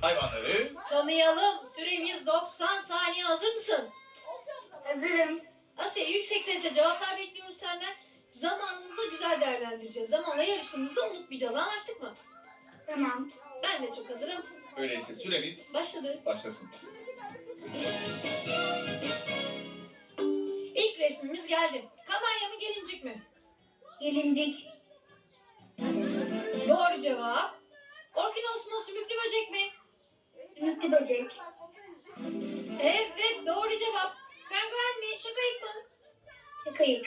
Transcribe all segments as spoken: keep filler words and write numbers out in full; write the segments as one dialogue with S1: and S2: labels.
S1: hayvanları
S2: tanıyalım. Süremiz doksan saniye. Hazır mısın?
S3: Hazırım.
S2: Asiye, yüksek sesle cevaplar bekliyoruz senden. Zamanımızı da güzel değerlendireceğiz. Zamanla yarıştığımızda unutmayacağız. Anlaştık mı?
S3: Tamam.
S2: Ben de çok hazırım.
S1: öyleyse süremiz
S2: Başladı.
S1: başlasın.
S2: İlk resmimiz geldi. Kanarya mı, gelincik mi?
S3: Gelincik.
S2: Doğru cevap. Orkinos mu, sümüklü böcek mi?
S3: Sümüklü böcek.
S2: Evet, doğru cevap. Penguen mi, şakayık mı?
S3: Şakayık.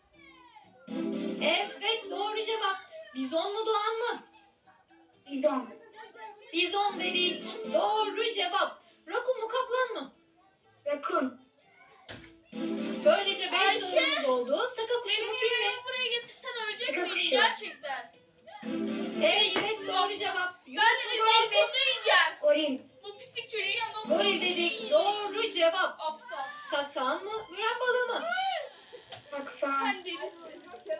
S2: Evet, doğru cevap. Bizon mu, doğan mı?
S3: Bizon.
S2: Bizon dedik. Doğru cevap. Rakun mu, kaplan mı?
S3: Rakun.
S2: Böylece beş
S4: Ayşe!
S2: sorumuz oldu. Saka kuşu
S4: Benim
S2: mu, fil mi?
S4: yemeğimi buraya getirsen ölecek
S3: Şaka
S4: miydin
S3: kuşu.
S4: gerçekten?
S2: Evet, doğru cevap.
S4: Ben
S2: Yunus
S4: de
S2: mu, goril mi?
S4: balkonda yiyeceğim.
S3: Goril.
S4: Bu pislik çocuğun yanında oturup.
S2: Goril dedik. Doğru cevap.
S4: Aptal.
S2: Saksan mı, müren balığı mı?
S3: Saksan.
S4: Sen delisin.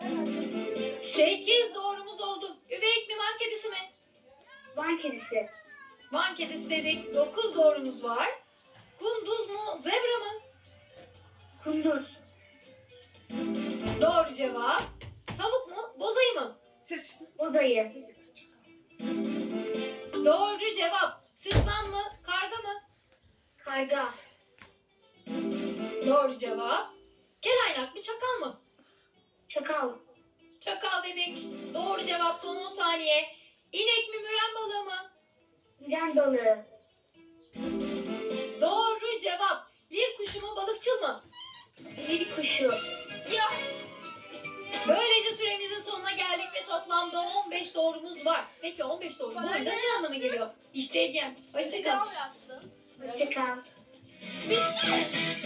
S2: Sekiz doğrumuz oldu. Üveyik mi, van kedisi mi?
S3: Van kedisi.
S2: Van kedisi dedik. Dokuz doğrumuz var. Kunduz mu, zebra mı?
S3: Kunduz.
S2: Doğru cevap. Tavuk mu, bozayı mı?
S4: Ses.
S3: Bozayı.
S2: Doğru cevap. Sırtlan mı, karga mı?
S3: Karga.
S2: Doğru cevap. Kelaynak mı, çakal mı?
S3: Çakal.
S2: Çakal dedik. Doğru cevap, son on saniye. İnek mi, müren balığı mı?
S3: Miren balığı.
S2: Doğru cevap. Lir kuşu mu, balıkçıl mı?
S3: Bir kuşu.
S4: Ya.
S2: Böylece süremizin sonuna geldik ve toplamda on beş doğrumuz var. Peki on beş doğru bu
S4: Bana
S2: oyunda
S4: ne?
S2: ne anlama geliyor? İşte Egen.
S4: Bir
S2: Hoşçakal.
S4: daha mı yaptın?
S3: Hoşçakal.
S4: Bitti.